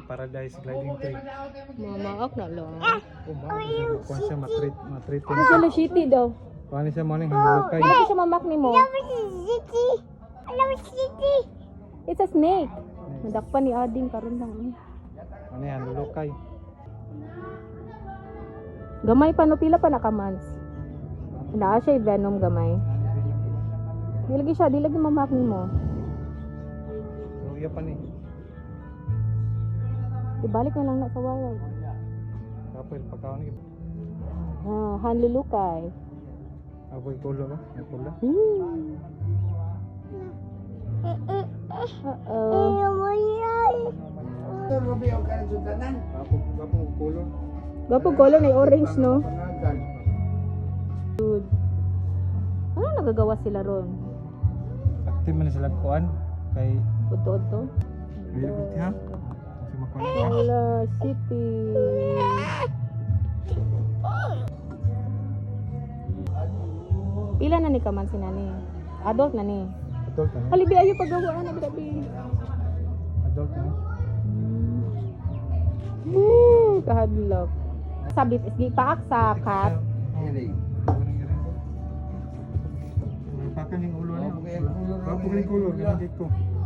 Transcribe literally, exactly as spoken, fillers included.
paradise gliding tree. Mamaak na lang. Oh, ba? Kuha siya matreat, matreat. Ano siya na shitty daw? Kuha niya siya morning hulukay. Bakit siya mamak ni mo? It's a snake. Nadakpan ni Ading karon lang. eh. Ano yan, hulukay. Gamay pa no, pila pa nakamans. Naa siya venom gamay. Di lagi siya, di lagi mamak ni mo. Luya pa ni. Ibalik na lang na sa wild. Kapil, pagkaon ni. Ah, hanlulukay. Apoy kulo ba? May kulo. Hmm. Uh-oh. Apo, apo kulo. Gwapo color na orange, no? Good. Ano nagagawa sila ron? Active man sila kuan kay Udto-udto? Really good ha? Kasi makuha. Wala, city. Pila na ni kaman si nani? Adult na ni. Adult na. Halibi ayo pagawaan na grabe. Adult na. Hmm, kahadlok. Sabit isgi paak sa cat. Pakan yung ulo niya. Pakan yung ulo. Pakan yung ulo.